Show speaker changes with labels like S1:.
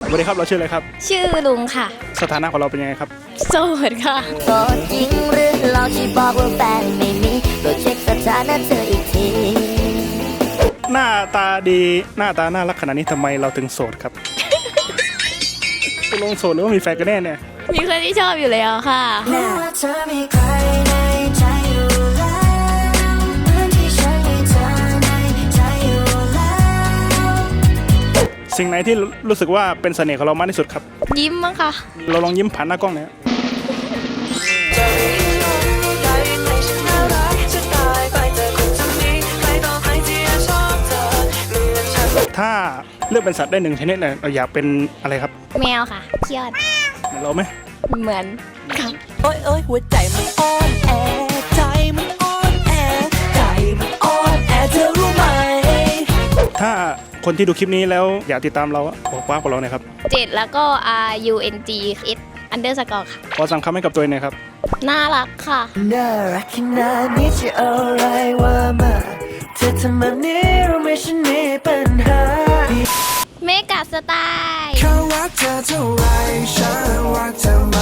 S1: วัสดีครับเราชื่ออะไรครับ
S2: ชื่อลุงค่ะ
S1: สถานะของเราเป็นยังไงครับ
S2: โสดค่ะ
S3: โสดจริงหรือลองที่บอกว่าแฟนไม่มีโปรดเช็คสถานะเธออีกที
S1: หน้าตาดีหน้าตาน่ารักขนาดนี้ทำไมเราถึงโสดครับตกลงโสดหรือว่ามีแฟนกันแน่เนี่ย
S2: มีคนที่ชอบอยู่แล้วค่ะ
S3: เธอมีใครในใจอยู่แล้วเหมือนที่ฉันมีเธอในใจอยู่แล้ว
S1: สิ่งไหนที่รู้สึกว่าเป็นเสน่ห์ของเรามากที่สุดครับ
S2: ยิ้มมั้งค่ะ
S1: เราลองยิ้มผ่านหน้ากล้องหน่อยถ้าเลือกเป็นสัตว์ได้หนึ่งชนิดเนี่ยเราอยากเป็นอะไรครับ
S2: แมวค่ะเขี้ยว
S1: เหมือนเราไหม
S2: เหมือนค่ะ
S3: โอ้ยโอ้ยหัวใจมันอ่อนแอใจมันอ่อนแอใจมันอ่อนแอเธอรู้ไหม
S1: ถ้าคนที่ดูคลิปนี้แล้วอยากติดตามเราบอกว่ากับเราหน่อยครับ
S2: 7แล้วก็ RUNGS__ค่ะ
S1: ขอสั่งคำให้กับตัวเองหน่อยครับ
S2: น่ารักค่ะ
S3: น่ารักขนาดนี้จะเอาอะไรว่ามาเธอทำแบบนี้รู้ไหมฉันมีปัญหา
S2: เมกะสไตล์
S3: เขารักเธอเท่าไรฉันรักเธอม